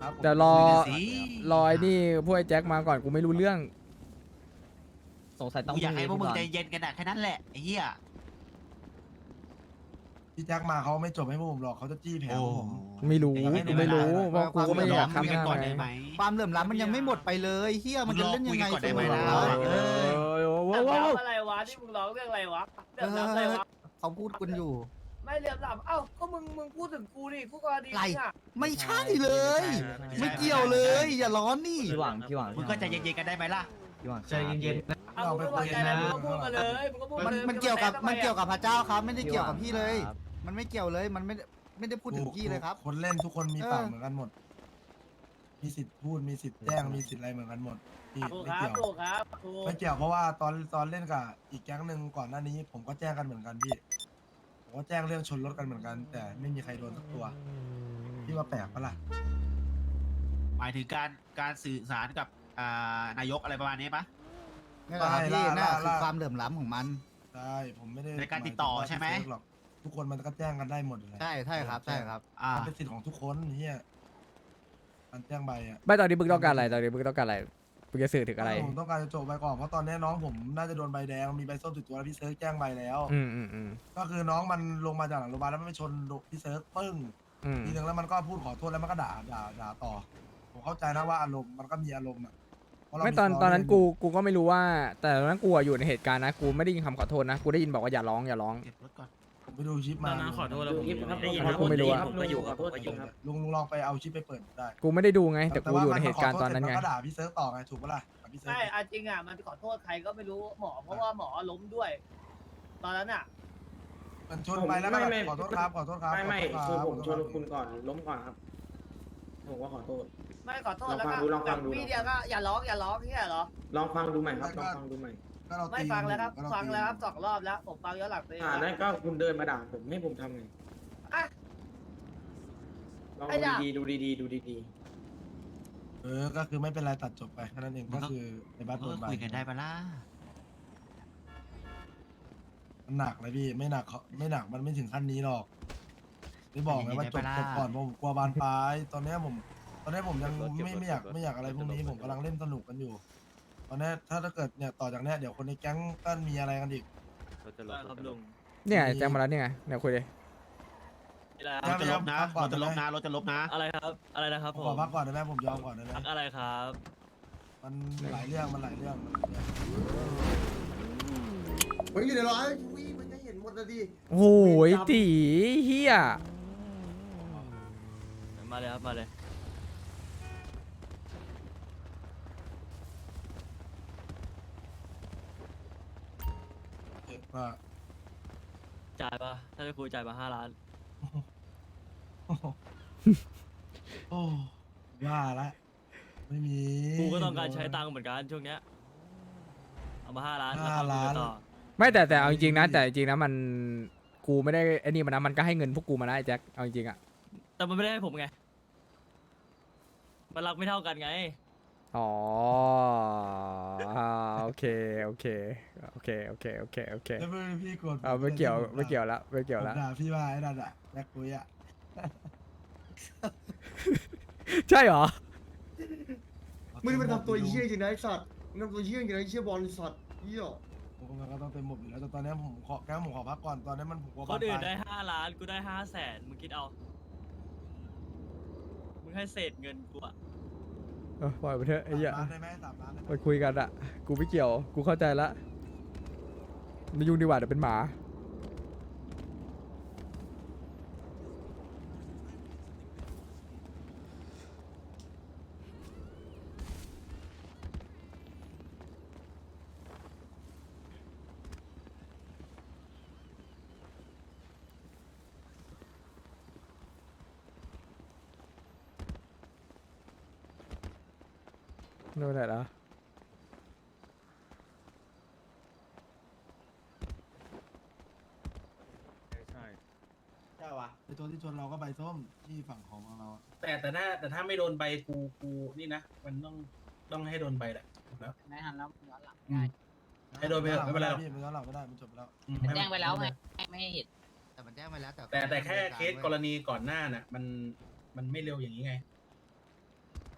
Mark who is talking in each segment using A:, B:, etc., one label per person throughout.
A: เดี๋ยวรอ
B: คุยกันสิ
A: รอไอ้นี่พวกไอ้แจ็คมาก่อนกูไม่รู้เรื่อง
C: สงสัยต้อง
B: กูอยากให้พวกมึง
C: ก่อน
B: ใจเย็นกันอะแค่นั้นแหละไอ้เหี้ย
D: พี่แจ็คมาเขาไม่จบให้พวกผมหรอกเขาจะจี้แผลพวกผม
A: ไม่รู้
B: แต่ยังไม่
A: กูไม่รู้
B: ได้
A: เพราะกูก็ไม่ได้อยาก
B: คุย
A: ทำ
B: กัน
A: งาน
B: ก่อน
A: ไง
B: ได้ไหม
E: ความเหลื่อมล้ำมันยังไม่หมดไปเลยเฮียมันจะเล่นยังไง
B: มึงรอคุยกันก่อนได้ไหมล่ะ
E: เออ
A: ว้าวว้าวว้าว
F: อะไรวะที่มึงร้องเรื่องอะไรวะเรื่องน้ำอะไรวะ
E: เขาพูดกันอยู่
F: ไม่เรื่องน้ำเอ้าก็มึงพูดถึงกูนี่คู่กรณี
E: ไร
F: อ่ะ
E: ไม่ใช่เลย ไม่เกี่ยวเลย อย่าร้อนนี่
C: พี่หวังพี่หวัง
B: มึงก็ใจเย็นๆกันได้ไหมล่ะ
C: พี่หวัง
G: ใจเย็น
F: เอามึงไม่พอใจอะไรมึงก็พูดมาเลยมึงก็พูดมาเลย
E: มันเกี่ยวกับพระเจ้าครับ ไม่ได้เกี่ยวกับพี่เลย มันไม่เกี่ยวเลยมันไม่ได้พูดถึงพี่เลยครับ
D: คนเล่นทุกคนมีปากเหมือนกันหมด มีสิทธิ์พูดมีสิทธิ์แจ้งมีสิทธิ์อะไรเหมือนกันหมดพี่
F: ถูก
D: ไม่
F: ครับ
D: เกี่ยว
F: ถูกครับถูก
D: ไม่เกี่ยวเพราะว่าตอนเล่นกับอีกแก๊งหนึ่งก่อนหน้านี้ ผมก็แจ้งกันเหมือนกันพี่ผมก็แจ้งเรื่องชนรถกันเหมือนกัน แต่ไม่มีใครโดนสักตัวพี่ว่าแปลกปะล่ะ
B: หมายถึงการสื่อสารกับนายกอะไรประมาณนี้ปะ
E: นี่แหละครับพี่น่าคือความเหลื่อมล้ำของมัน
D: ใช่ผมไม่ได้
B: ในการติดต่อใช่ไหม
D: ายถึงว่าพี่เซิร์ฟหรอกทุกคนมันก็แจ้งกันได้หมดเลย
E: ใช่ครับใช่ครับ
D: มันเป็นสิทธิ์ของทุกคนเฮียการแจ้งใบอ่ะ
A: ไม่ตอนนี้มึงต้องการอะไรตอนนี้มึงต้องการอะไรมึงจะสื่อถึงอะไร
D: ผมต้องการจะจบใบก่อนเพราะตอนนี้น้องผมน่าจะโดนใบแดงมีใบส้มติดตัวแล้วพี่เซิร์ฟแจ้งใบแล้ว
A: อืม
D: ก็คือน้องมันลงมาจากหลังโรงพยาบาลแล้วมันไปชนพี่เซิร์ฟปึ้ง ทีนึงแล้วมันก็พูดขอโทษแล้วมันก็ด่าต่อ ผมเข้าใจนะว่าอารมณ์มันก็มีอารมณ์อ่ะเพราะเรา
A: ไม่ตอนนั้นกูก็ไม่รู้ว่า แต่ตอนนั้นกูอยู่ในเหตุการณ์นะกูไม่ได้ยินคำขอโทษนะกูได้ยินบอกว่าอย่าร้องอย่าร้อง
B: เก็บรถก่อน
D: ผมไปดูชิปมา
G: ขอโทษแล้วผมได้ยิน
A: กูไม่รู้อะ
G: ผมก็อยู่ครับผมก็อยู่ครับ
D: ลุงลองไปเอาชิปไปเปิดได้
A: กูไม่ได้ดูไง แต่กูอยู่ในเหตุการณ์ตอนนั้นไง
D: มันก็ด่าพี่เซิร์ฟต่อไงถูกปะล่ะกับพี่เซิร์ฟ
F: ใช่จริงอ่ะมันขอโทษใครก็ไม่รู้หมอเพราะว่าหมอล้มด้วย ตอนนั้นอ่ะ
D: มันชนไปแล้วก็แบบขอโทษครับขอโทษครับ
G: ไม่
D: ขอ
G: คือ
D: โทษครับ
G: ผมชนคุณก่อนล้มก่อนครับ ผมก็ขอโทษ
F: ไม่ขอโทษแล้วก็
G: ลองฟังดู
F: พี่เดียวก็อย่าร้องที่เหรอ
G: ลองฟังดูใหม่ครับลองฟังดูใหม่
D: ก็เรา
F: ไม่
D: ตี
F: ฟังแล้วครับ
D: ก็เรา
F: ฟัง
D: ตี
F: แล้วครับ2 รอบแล้วผมฟังย้อนหลังไป
G: นั่นก็คุณเดินมาด่าผมให้ผมทำไง
F: อ่ะ
G: ลอง
F: ไอ้ด่า
G: ดูดีๆดูดี
D: ก็คือไม่เป็นไรตัดจบไปแค่นั้นเองก็คือในบัตรโด
B: ก็
D: นใบ
B: คุยกันได้ปะล่ะ
D: มันหนักเลยพี่ไม่หนักไม่หนักมันไม่ถึงขั้นนี้หรอกไม่บอกไงว่าจบก่อนผมกลัวบานปลายตอนนี้ผมยังไม่อยากอะไรพวกนี้ผมกำลังเล่นสนุกกันอยู่ ตอนนี้ถ้าเกิดเนี่ยต่อจากเนี้ยเดี๋ยวคนในแก๊งก็มีอะไรกันอีก
G: ครับลุง
A: เนี่ยแจ้งมาแล้วเนี่ยไงเนี่ยคุยเลย
B: รถจะลบนะรถจะลบนะรถจะลบนะ
H: อะไรครับอะไรนะครับ
D: ผม
H: ผม
D: ขอพักก่อนได้ไหมผมยอมก่อนได้ไหม
H: พักอะไรครับ
D: มันหลายเรื่องมันหลายเรื่อง
I: มันอยู่ในร้อยมันจะเห็นหมดเลยดิ
A: โอ้ยตีเฮีย
H: มาเลยครับมาเลย
D: ว่า
H: จ่ายปะถ้าจะคุยจ่ายมา5 ล้าน
D: โอ้ว่าละไม่มี
H: กูก็ต้องการใช้ตังค์เหมือนกันช่วงเนี้ยเอามา5 ล้าน
D: 5 ล้าน
H: ต่อ
A: ไม่แต่เอาจริงๆนะแต่จริงๆนะมันกูไม่ได้ไอ้นี่มันนะมันก็ให้เงินพวกกูมานะไอ้แจ็คเอาจริงๆอ่ะ
H: แต่มันไม่ได้ให้ผมไงมันรักไม่เท่ากันไง
A: อ๋อโอเคโอเคโอเคโอเคโอเคโอเค
D: แล้วพี่กด
A: เอาไม่เกี่ยวไม่เกี่ยวละไม่เกี่ยวละ
D: ผมด่าพี่ว่าไอ้นั่นอะแม็กคุยอะ
A: ใช่เหรอ
I: มึงมันทำตัวเยี่ยจริงนะไอ้สัตว์มึงทำตัวเยี่ยจริงนะไอ้เชี่ยบอลไอ้สัตว์เยี่ย
D: ผมก็ต้องเต็มหมดอยู่แล้วแต่ตอนนี้ผมขอแก้ผมขอพักก่อนตอนนี้มันผมกลัว
H: คนอื่น
D: บา
H: ได้
D: ปลาย
H: 5 ล้านกูได้500,000มึงคิดเอามึงให้เศษเงินกูอะ
A: ปล่อยไปเถอะไอ้เหี้ย
D: 3 ล้านได้ไหม3 ล้านได้ไหม
A: ไปคุยกันอะกูไม่เกี่ยวกูเข้าใจละไม่ยุ่งดีกว่าเดี๋ยวเป็นหมาโน่นไหนละ
D: ใช่วะไอตัวที่ชนเราก็ใบส้มที่ฝั่งของเราอะ
G: แต่ถ้าไม่โดนใบกูนี่นะมันต้องให้โดนใบแหละถูกแล้ว
J: ไม่ทันแล้วย้อนหลัง
G: ให้โดนไปเถอะไม่เป็นไรหรอก
D: พี่มันย้อนหลังไม่ได้มันจบไปแล้ว
J: แจ้งไปแล้วไงไม่ให้เห็น
E: แต่มันแจ้งไปแล้ว
G: แต่แค่เคสกรณีก่อนหน้าน่ะมันไม่เร็วอย่างนี้ไง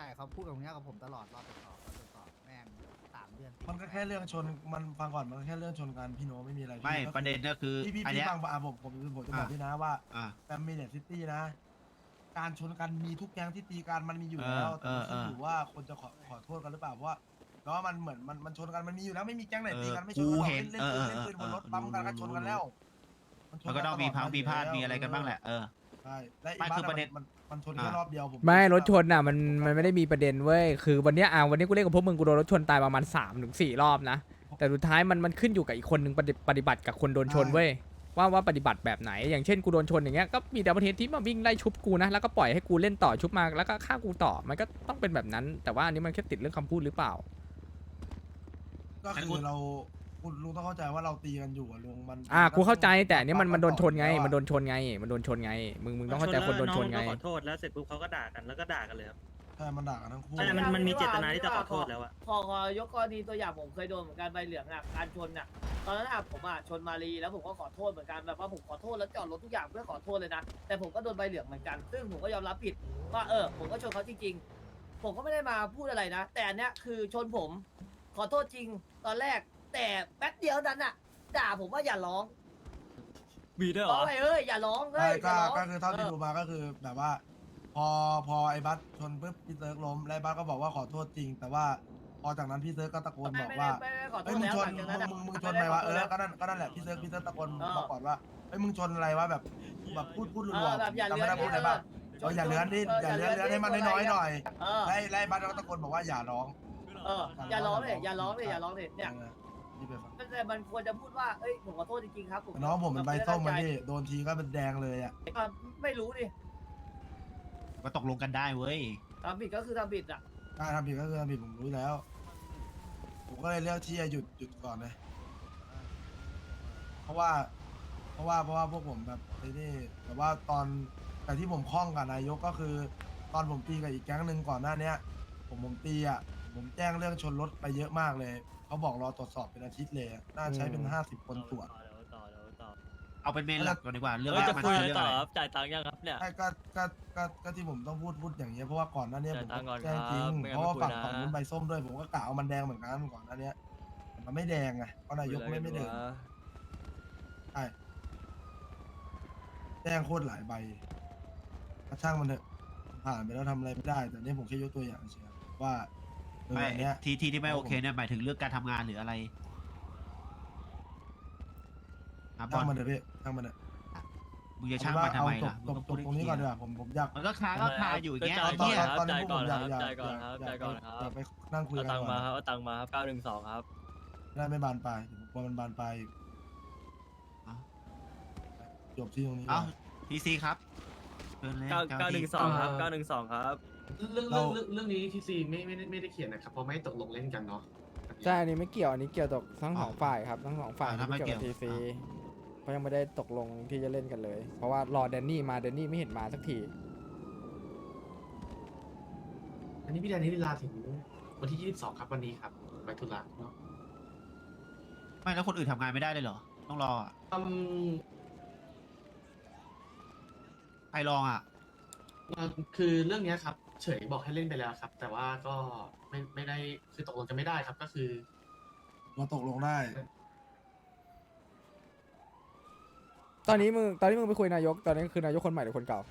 E: ช่เขาพูดกับเนี้ยกับผมตลอดรอตรวจสอบแม่ง3 เดือน
D: มันก็แค่เรื่องชนมันฟังก่อนมันก็แค่เรื่องชนกันพี่โนไม่มีอะไรพี่
B: ไม่
D: ก็
B: ประเด็นก็คือ
D: พี่
B: อันเนี้ย
D: ฟังผมจะบอกพี่นะว่า
B: อ่า
D: แฟมิลี่ซิตี้นะ การชนกันมีทุกแก๊งที่ตีกันมันมีอยู่แล้วแต่มันขึ้นอยู่ว่าคนจะขอโทษกันหรือเปล่าเพราะว่าแล้วมันเหมือนมันชนกันมันมีอยู่แล้วไม่มีแก๊งไหนตีกันไม่ชนกันหรอกเล่นปืนบนรถปั๊มกันก็ชนกันแล้ว
B: มันก็ต้องมีพังมีพลาดมีอะไรกันบ้างแหละ
D: ใช่และ
B: ไม่
D: อีก
B: คือประเด็น
D: มันชนแค่รอบเดียวผม
A: ไม่รถชนอ่ะมันไม่ได้มีประเด็นเว้ยคือวันเนี้ยวันนี้กูเล่นกับพวกมึงกูโดนรถชนตายประมาณ3-4 รอบนะแต่สุดท้ายมันขึ้นอยู่กับอีกคนนึงปฏิบัติกับคนโดนชนเว้ยว่าปฏิบัติแบบไหนอย่างเช่นกูโดนชนอย่างเงี้ยก็มีแต่ประเทศที่มาวิ่งไล่ชุบกูนะแล้วก็ปล่อยให้กูเล่นต่อชุบมาแล้วก็ฆ่ากูต่อมันก็ต้องเป็นแบบนั้น แต่ว่าอันนี้มันแค่ติดเรื่องคำพูดหรือเปล่า
D: ก็คือเราคุณลุงต้องเข้าใจว่าเราตีกันอยู่อะลุงมัน
A: กูเข้าใจแต่อันนี้มันโดนชนไงมันโดนชนไงมึงต้องเข้าใจคนโดนชนไง
H: ขอโทษแล้วเสร็จปุ๊บเขาก็ด่ากันแล้วก็ด่ากันเลยครับ
D: ใช่มันด่ากันทั้งคู่
H: ใช่มันมีเจตนาที่จะขอโทษแล้วอะ
F: ขอยกกรณีตัวอย่างผมเคยโดนเหมือนกันใบเหลืองอ่ะการชนอ่ะตอนนั้นอ่ะผมอ่ะชนมารีแล้วผมก็ขอโทษเหมือนกันแบบว่าผมขอโทษแล้วจอดรถทุกอย่างเพื่อขอโทษเลยนะแต่ผมก็โดนใบเหลืองเหมือนกันซึ่งผมก็ยอมรับผิดว่าผมก็ชนเขาจริงๆผมก็ไม่ได้มาพูดอะไรนะ แต่อันเนี้ยคือชนผมขอโทษจริงตอนแรกแต่แป๊บเดียวนั้นอ่ะด่าผมว่าอย่าร้อง
H: มีด้วยเหร
F: ร้อ
H: อ
F: งไปอย่าร้อง
D: ใช่
F: อย่าร้อง
D: ก็คือเท่าที่ดูมาก็คือแบบว่า พอไอ้บัสชนปุ๊บพี่เซิร์กล้มแล้วไอ้บัสก็บอกว่าขอโทษจริง แต่ว่าพอจากนั้นพี่เซิร์กก็ตะโกนบอกว่า
F: ไม่ได้ขอโท
D: เฮ้ย
F: ษ
D: มึง
F: แล้ว
D: ช
F: ห
D: น
F: ลังจากนั้นอะ
D: มึงชนไหมวะก็นั่นแหละพี่เซิร์กตะโกนบอกก่อนว่าเฮ้ยมึงชนอะไรวะแบบพูดรัว
F: แบบอย่า
D: จำ
F: เลื้
D: ไม่
F: อน
D: ได้พูดอะไรบ้างอย่าเลื้อนดิอย่าเลื้อนให้มันน้อยๆหน่อย
F: เออ
D: ไล่บัสก็ตะโกนบอกว่าอย่าร้อง
F: อย่าร้องเลยอย่าร้องเลยเนี่ย
D: นี่ไปฟัง
F: แต่มันควรจะพูดว่าเอ้ยผมขอโทษจริงๆครับ
D: น้องผมเป็นใบส้มมาที่โดนทีก็เป็นแดงเลยอ่ะ
F: ไม่รู้ดิ
B: ก็ตกลงกันได้เว้ย
F: ทำผิดก็คือทำผิดอ่ะ
D: ถ้าทำผิดก็คือทำผิดผมรู้แล้ว ผมก็เลยเลือกที่จะหยุดก่อนเลยเพราะว่าพวกผมแบบไอ้นี่แต่ว่าแต่ที่ผมคล้องกับนายกก็คือ ตอนผมตีกับอีกแก๊งหนึ่งก่อนหน้าเนี้ยผมตีอ่ะผมแจ้งเรื่องชนรถไปเยอะมากเลยเขาบอกรอตรวจสอบเป็นอาทิตย์เลยอะน่าใช้เป็น50 คนตรวจ
B: เอาเป็นเมนหลักก่อนดีกว่าเรื่อง
H: จะ
B: มัน
H: คุย
B: คือ
H: อะไร
B: เรื่อง
H: ต่อ
B: อะไร
H: ครับจ่ายตังค์ยังครับเนี่ย
D: ใช่ก็ที่ผมต้องพูดอย่างเงี้ยเพราะว่าก่อนหน้าเนี้ยผม
H: จ่ายตังค์ก่อน
D: แจ้งจริง
H: ครับไม่งั้น
D: เพราะว่า
H: ไม่คุย
D: ฝั่ง
H: นะ
D: นู้นใบส้มด้วยผมก็กะเอามันแดงเหมือนกันก่อนหน้าเนี้ยแต่มันไม่แดงไงเพราะนายกไม่เดินใช่แจ้งโคตรหลายใบกระช่างมันเถอะผ่านไปแล้วทำอะไรไม่ได้ แต่นี่ผมแค่ยกตัวอย่างเฉยว่า
B: ไม่
D: อันเนี้ย
B: ที่ไม่โอเคเนี่ยหมายถึงเรื่องการทำงานหรืออะไรครับบอ
D: ช่าง
B: ล
D: มันเถอะพี่ช่างมันเถอะ
B: มึงจะช่างมันทำไมล่ะ
D: จบตรงนี้ก่อนดีกว่าผมอยาก
B: มันก็ค้างก็คาอยู่อย่างเงี้ย
H: จ่าย
B: ไอ้
H: ก่อน
B: เหี้ย
H: ครับ
D: ตอนนี้
H: จ่าย
D: พวก
H: ก่
D: ผ
H: อน
D: ม
H: ค
D: อ
H: รั
D: ยาก
H: บจ่ายก่อนครับจ่ายก่อนครับ
D: อยากไปนั่งคุย
H: เอา
D: กัน
H: ตังค์
D: ก่
H: มา
D: อน
H: ครับเอาตังค์มาครับ912ครับ
D: ได้ไม่บานปลายผมกลัวมันบานปลายจบที่ตรงนี้ก่
B: เอ้า
D: อน
B: ทีซีครับเชิญเลย
H: 912ครับ912ครับ
G: เรื่องนี้ทีซีไม่ได้เขียนนะครับเพราะไม่ตกลงเล่นกันเนาะ
A: ใช่อันนี้ไม่เกี่ยวอันนี้เกี่ยวกับทั้งสองฝ่ายครับทั้งสองฝ่ายไม่เกี่ยวกับทีซีเพราะยังไม่ได้ตกลงที่จะเล่นกันเลย เพราะว่ารอแดนนี่มาแดนนี่ไม่เห็นมาสักที
G: อันนี้พี่แดนนี่เวลาถึงวันที่22ครับวันนี้ครับไปธุระเนาะ
B: ไม่แล้วคนอื่นทำงานไม่ได้เลยเหรอต้องรออะใครลองอ่ะ
G: คือเรื่องเนี้ยครับ เฉยบอกให้เล่นไปแล้วครับ แต่ว่าก็ไม่ได้คือตกลงกันไม่ได้ครับ ก็คือ
D: เราตกลงได้
A: ตอนนี้มึงไปคุยนายกตอนนี้คือนายกคนใหม่หรือคนเก่า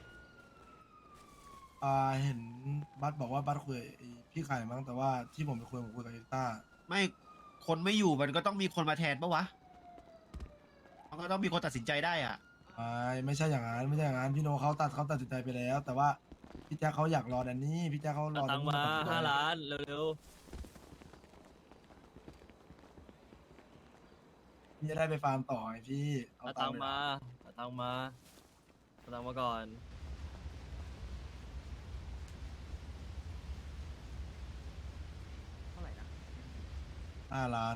D: เห็นบัสบอกว่าบัสคุยไอ้พี่ไข่มั้งแต่ว่าที่ผมไปคุยกับเอ็กต้า
B: ไม่คนไม่อยู่มันก็ต้องมีคนมาแทนปะวะมันก็ต้องมีคนตัดสินใจได้อ่ะ
D: ไม่ใช่อย่างนั้นพี่โนเขาตัดสินใจไปแล้ว แต่ว่าพี่แจ๊คเขาอยากรอแดนนี่พี่แจ๊คเขาร
H: เอา
D: อ
H: ตังค์มา5 ล้านเร็ว
D: พี่จะได้ไปฟาร์มต่อไงพี่
H: ๆเอาตังค์มาเอาตังค์มาก่อน
D: 5 ล้าน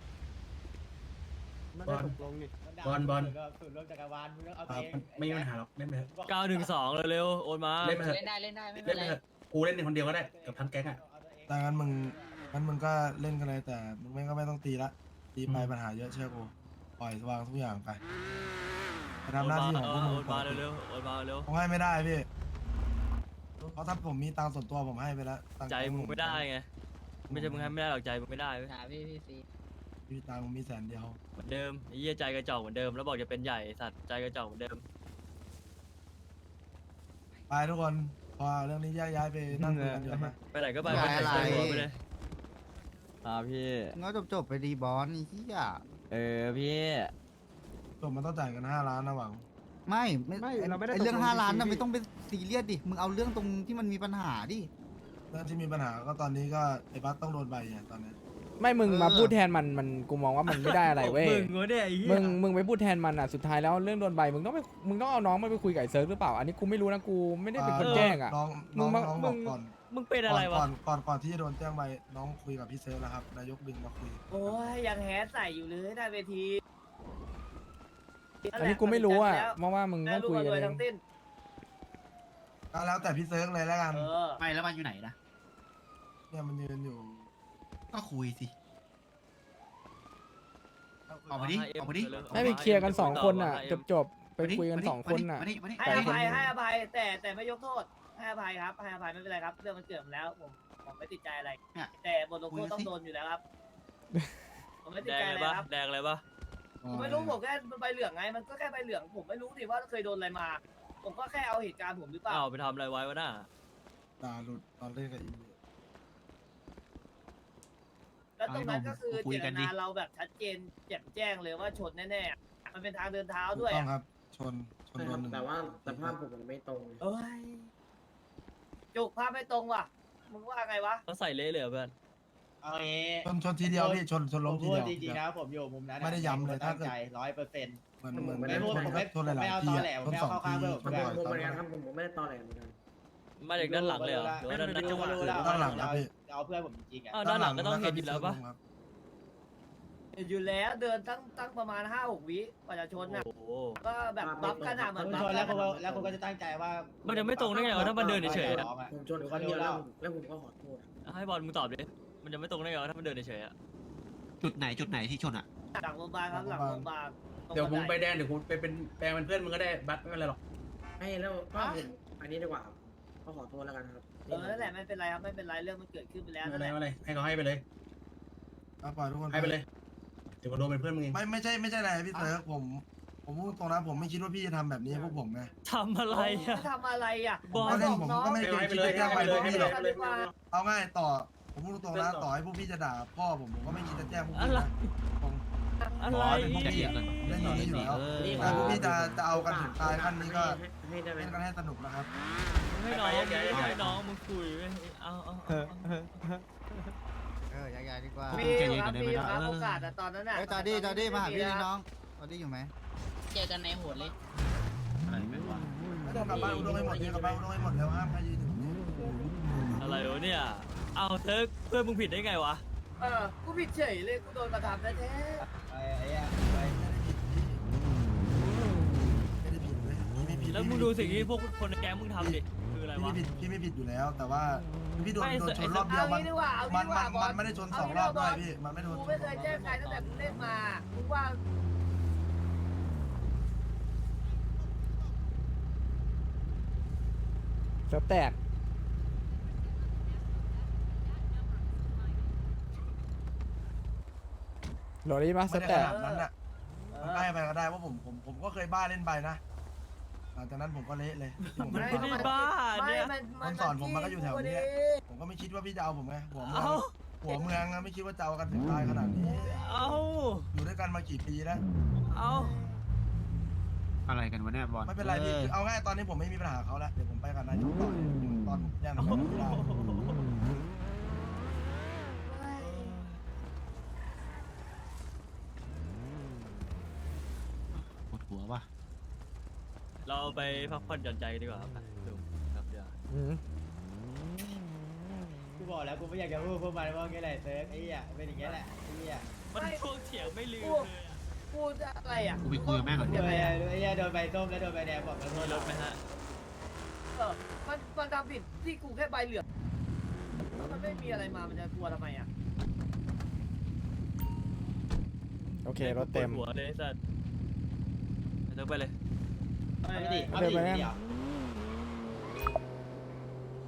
C: ไม่ได้ตกลงนี่
G: บอล
F: สูตรรวมจักรวาลมึงต้องเอา
G: ไม่มีปัญหาหรอกเล่นไปเถอะ
H: 912เร็วๆโอนมา
G: เล่นไปเถอะ
J: เล่นได้ไม่เป็
G: เล่
J: น
G: น
J: ไร
G: ไปเถอะกูเล่นในคนเดียวก็ได้กับทั้งแก๊งอ่ะ
D: แต่งั้นมึงก็เล่นกันเลยแต่มึงก็ไม่ต้องตีละตีไปปัญหาเยอะเชื่อกูปล่อยวางทุกอย่างไปทำหน้าที่ของพวกมึง
H: โอนมาเร็วๆโอนมาเร็ว
D: ผมให้ไม่ได้พี่เพราะถ้าผมมีตังค์ส่วนตัวผมให้ไปแล้วตังค์
H: ใจมึงไม่ได้ไงไม่ใช่มึงให้ไม่ได้หรอกใจมึงไม่ได้เว้ย
J: หาพี่ซี
D: มีตังค์มี100,000
H: เหมือนเดิมไอ้เหี้ยใจกระจอกเหมือนเดิมแล้วบอกจะเป็นใหญ่สัตว์ใจกระจอกเหมือนเดิม
D: ไปทุกคนพอเรื่องนี้ย้ายไปนั่งคุยกันดีกว่าไหม
H: ไปไหนก็ไป
E: ไม่
H: ไป
E: อะไร
H: ไหนก็ไปเลย
C: ครับพี่
E: งั้นจบไปดีบอสนี่ที่อ่ะ
C: พี่
D: จบมันต้องจ่ายกัน5 ล้านนะหวัง
E: ไม่เราไม่ได้เรื่อง5 ล้านนะไม่ต้องเป็นซีเรียสดิมึงเอาเรื่องตรงที่มันมีปัญหาดิ
D: เรื่องที่มีปัญหาก็ตอนนี้ก็ไอ้บัสต้องโดนใบอ่ะตอนนี้
A: ไม่มึงมาพูดแทนมันกูมองว่ามันไม่ได้อะไรเว้ย
H: มึงวะเนี่ยไอ้เหี้ย
A: มึงไปพูดแทนมันอ่ะสุดท้ายแล้วเรื่องโดนใบมึงต้องเอาน้องมันไปคุยกับไอ้เซิร์ฟหรือเปล่าอันนี้กูไม่รู้นะกูไม่ได้เป็นคนแจ้งอ่ะ
D: น้อง
A: มึงมา
D: น้อง
A: มึ
D: บอก
A: ง
D: ก่อน
H: มึงเป็นอะไรวะ
D: ก่อนที่จะโดนแจ้งใบน้องคุยกับพี่เซิร์ฟแล้วครับนายกดึงมาคุย
F: โอ้ยยังแฮสใส่อยู่เลยหน้าเวที
A: อันนี้กูไม่รู้อ่ะเพราะว่ามึง
F: แม่
A: ต้อง
F: ลูก
A: คุย
F: มา
A: กัน
F: รวย
A: เอ
F: ทั้
A: ง
F: งสิ้น
D: ก็แล้วแต่พี่เซิร์ฟเลยแล้วกัน
F: เออ
B: ไม่แล้วมันอยู่ไหนนะ
D: เนี่ยมันยืนอยู่
B: ก็คุยสิ ออกมาดิออกมาดิ
A: ให้ไปเคลียร์กัน2 คนอ่ะจบๆไปคุยกัน2 คนอ่ะ
B: มาดิมาดิ
F: ให้อภัยให้อภัยแต่ไม่ยกโทษให้อภัยครับให้อภัยไม่เป็นไรครับเรื่องมันเกิดมาแล้วผมไม่ติดใจอะไร
B: เนี่ย
F: แต่บทลงโทษต้องโดนอยู่แล้วครับผมไม่ติด
H: แดง
F: ใจ
H: เล
F: เลย ย
H: ปะ
F: ครับ
H: แดงเลยปะ
F: ผมไม่รู้ผมแค่ใบเหลืองไงมันก็แค่ใบเหลืองผมไม่รู้สิว่าเคยโดนอะไรมา ผมก็แค่เอาเหตุการณ์ผมหรือเปล่า
H: อ้าวไปทำอะไรไว้วะน่ะ
D: ด่าหลุดตอนเล่นกับอี
F: แล้วตรงนั้นก็คือเจตนาเราแบบชัดเจนแจ่มแจ้งเลยว่าชนแน่ๆมันเป็นทางเดินเท้า
D: ถูก
F: ด้วย
D: ต้องครับ ชนโดนหนึ่ง
I: แต่ว่าสภาพผมมันไม่ตรง
F: เอ้ยจุกภาพไม่ตรงว่ะมึงว่าไงวะ
H: เขาใส่เละเลยเหรอเพื่อน
I: เอาเอ
D: ชนทีเดียวพี่ชนล้มทีเดียว
I: จริงๆนะผมอยู่มุมนั้น
D: ไม่ได้ย้ำเลยถ้าเกิด
I: 100%
D: เหมือน
I: ไม่พูดผมไม่
D: ชนหลายๆทีอะชน2 ทีชนบ่อยตอนนั้น
I: ผมไม่ได้ตอแหลเหมือนกัน
H: มาจากด้านหลังเลยเหรอหรือว่าด้านหน้า
D: ด้านหลังครับพี่
I: เอาเพื่อนผมจริงๆอ่ะ
H: อ้าวด้านหลังก็ต้องเห็นอยู่แล้วปะ
F: อยู่แล้วเดินตั้งประมาณ5-6 วิกว่าจะชนน่ะ
H: โอ้โห
F: ก็แบบบัฟกันอ่ะเหมือนบัฟ
I: แล้ว
F: กัน
I: คุณก็จะตั้งใจว่า
H: มันจะไม่ตรงได้ไงวะถ้ามันเดินเฉยๆอะ
I: ผมชนคนเดียวแล้วผมก็ขอโทษ
H: ให้บอลมึงตอบดิมันจะไม่ตรงได้ไงวะถ้ามันเดินเฉยๆอะ
B: จุดไหนที่ชนอ่ะ
F: หลังโรงพยาบาลครับหลังโรงพยาบาลตรง
I: เดี๋ยวผม
F: บัน
I: ไป
F: ได
I: แดนเดี๋ยวผมไปเป็นแปลงเป็นเพื่อนมึงก็ได้บัตรไม่เป็นไรหรอกไม่แล้วก็ผมอันนี้ดีกว่าก็ขอโทษแล้วกันครับ
F: นั่นแหละไม่เป็นไรครับไม่เป็นไรเรื่องมันเกิดขึ้นไปแล้ว
I: ไม่
F: นั่น
I: เป็น
F: แห
I: ไร
F: ละ
I: ไม่เป็นไรให้เขาให้ไปเลย
D: เอาปล่อยทุกคน
I: ให้ไปเลยถือว่าโดนเป็นเพื่อนมึงเอง
D: ไม่ใช่อะไรพี่เซิร์ฟผมพูดตรงนะผมไม่คิดว่าพี่จะทำแบบนี้ให้พวกผมไง
H: ทำอะไรอะ
F: ทำอะไรอ่ะ
D: ผมก็เล่นผมก็ไม่เคยคิดจะแจ้งไปพวกพี่หรอก
F: ให้ไปเลย
D: เอาง่ายต่อผมพูดตรงนะต่อให้พวกพี่จะด่าพ่อผมก็ไม่คิดจะแจ้งพวกพี่นะผม
H: อะไร
D: เล่นอย่างนี้อยู่แล้วถ้าพวกพี่จะเอากันถึงตายขั้นนี้ก็เล่นกันให้สนุกนะครับ
H: ให้น้องให้น้องมึงคุยเว้ยเอา
E: ย้ายๆดีกว่า
F: มีครับมีครับโอกาสอะตอนนั้นอะ
E: เฮ้ยจอดี้มาหาพี่ดิน้องจอดี้อยู่ไหม
J: เจอกันในโหดเลย
D: ไม่ต้องกลับบ้านอุดมให้หมดเนี่ยกลับบ้านอุดมให้หมดแล้วห้ามใครยืนอยู่นี่
H: อะไรวะเนี่ยเอาเธอเพื่อนมึงผิดได้ไงวะ
F: กูผิดเฉยเลยกูโดนกระทำแท้
D: ไม่ได้ผิดเลยไม่ผิด
H: แล้วมึงดูสิ่งที่พวกคนในแก๊งมึงทำดิคืออะไรวะ
D: พี่ไม่ผิดอยู่แล้ว แต่ว่าพี่โดน
H: ไม่
D: ชนรอบ
F: ๆ
D: เดียว
F: เอา
D: มัน
F: งี้ดีกว่าเอางี้ดีกว่าบอล
D: ไม่ได้ชน2 รอบด้วยพี่มันไม่โดน
F: กูไม่เคยแจ้งใครตั้งแต่กูเล่นมามึงว่า
A: เซิร์ฟแตกโหลดได้ปะเซิ
D: ไม่
A: ร์ฟ
D: ได้
A: แต
D: ข
A: ก
D: นาดนั้นอ่ะได้ไปก็ได้ว่าผมก็เคยบ้าเล่นไปนะหลังจากนั้นผมก็เละเลยที่ผม
H: ไม่
D: เล่น
H: ได้บ้าเนี่ย
D: คนสอนผมมันก็อยู่แถวนี้ผมก็ไม่คิดว่าพี่จะเอาผมไงหัวเมือง
H: เอา
D: หัวเมืองอะไม่คิดว่าจะเอากันถึงตายขนาดนี้
H: เอา
D: อยู่ด้วยกันมากี่ปีแล้ว
H: เอา
B: อะไรกันวะเนี่ยบอล
D: ไม่เป็นไรพี่คือเอาง่ายตอนนี้ผมไม่มีปัญหากับเขาแล้วเดี๋ยวผมไปกับนายกต่อยตอนผมแจ้งนายกไม่ได้
B: ปวดหัวว่ะ
H: เราไปพักผ่อนหย่อนใจกันดีกว่าครับลุงครับเดี๋ยว
A: อืม
I: กูบอกแล้วกูไม่อยากจะพูดพวกมันว่าไงแหละเซิร์ฟไอ้เหี้ยเป็นอย่างเงี้ยแหละไอ้เหี้ย
H: มันพวกเถียงไม่ลืมเลยอะ
F: พูดอะไรอ่ะ
B: กูไปคุยกับแม่ก่อน
I: โดนไอ้เหี้ยโดนใบส้มแล้วโดนใบแดงบอกแล้ว
H: มีรถไหมฮะ
F: มันทำผิดที่กูแค่ใบเหลืองแล้วมันไม่มีอะไรมามันจะกลัวทำไมอ่ะ
A: โอเครถเต็ม
H: ปวดหัวเลยไอ้สัตว์ไปเถอะไปเลย
I: เอาไปดิ
A: เดี๋ยวไปแน่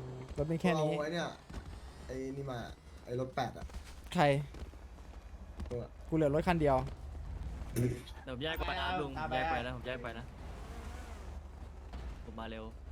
A: ถเป็นแค่นี้
K: เราไอ้เนี่ยไอ้นี่มาไอ้รถ8อ่ะ
A: ใคร กูเหลือรถคันเดียว
H: เดี๋ยวผมแยกไปนะลุงผมแยกไปนะผมแยกไปนะผมมาเร็ว